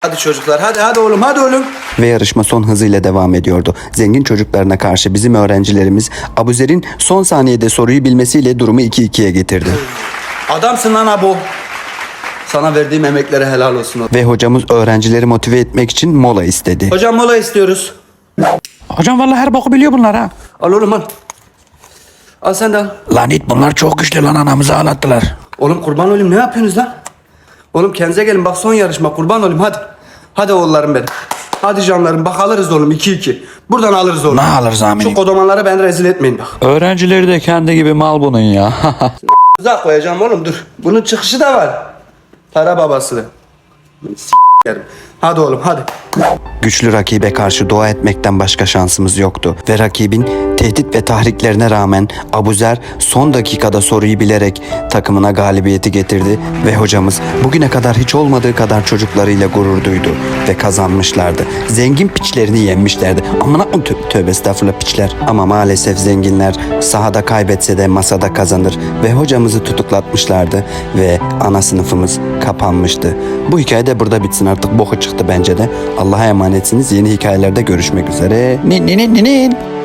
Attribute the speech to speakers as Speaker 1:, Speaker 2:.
Speaker 1: Hadi çocuklar, hadi oğlum, hadi oğlum.
Speaker 2: Ve yarışma son hızıyla devam ediyordu. Zengin çocuklarına karşı bizim öğrencilerimiz Abuzer'in son saniyede soruyu bilmesiyle durumu 2-2'ye getirdi.
Speaker 1: Adamsın lan Abo. Sana verdiğim emeklere helal olsun.
Speaker 2: Ve hocamız öğrencileri motive etmek için mola istedi.
Speaker 1: Hocam mola istiyoruz.
Speaker 3: Hocam vallahi her boku biliyor bunlar ha.
Speaker 1: Al oğlum al. Al sen de al.
Speaker 3: Lan it bunlar çok güçlü lan anamızı ağlattılar.
Speaker 1: Oğlum kurban olayım, ne yapıyorsunuz lan? Oğlum kendinize gelin, bak son yarışma, kurban olayım hadi. Hadi oğullarım benim. Hadi canlarım, bak alırız oğlum 2-2. Buradan alırız oğlum.
Speaker 3: Ne alırız amirim?
Speaker 1: Şu kodamanları ben rezil etmeyin bak.
Speaker 3: Öğrencileri de kendi gibi mal bunun ya.
Speaker 1: Uzak koyacağım oğlum, dur. Bunun çıkışı da var. Para babası. S**erim. Hadi oğlum hadi.
Speaker 2: Güçlü rakibe karşı dua etmekten başka şansımız yoktu. Ve rakibin tehdit ve tahriklerine rağmen Abuzer son dakikada soruyu bilerek takımına galibiyeti getirdi. Ve hocamız bugüne kadar hiç olmadığı kadar çocuklarıyla gurur duydu. Ve kazanmışlardı. Zengin piçlerini yenmişlerdi. Amına tövbe estağfurullah piçler. Ama maalesef zenginler sahada kaybetse de masada kazanır. Ve hocamızı tutuklatmışlardı. Ve ana sınıfımız kapanmıştı. Bu hikaye de burada bitsin, artık boku çıktı bence de. Allah'a emanetsiniz. Yeni hikayelerde görüşmek üzere.
Speaker 3: Nin.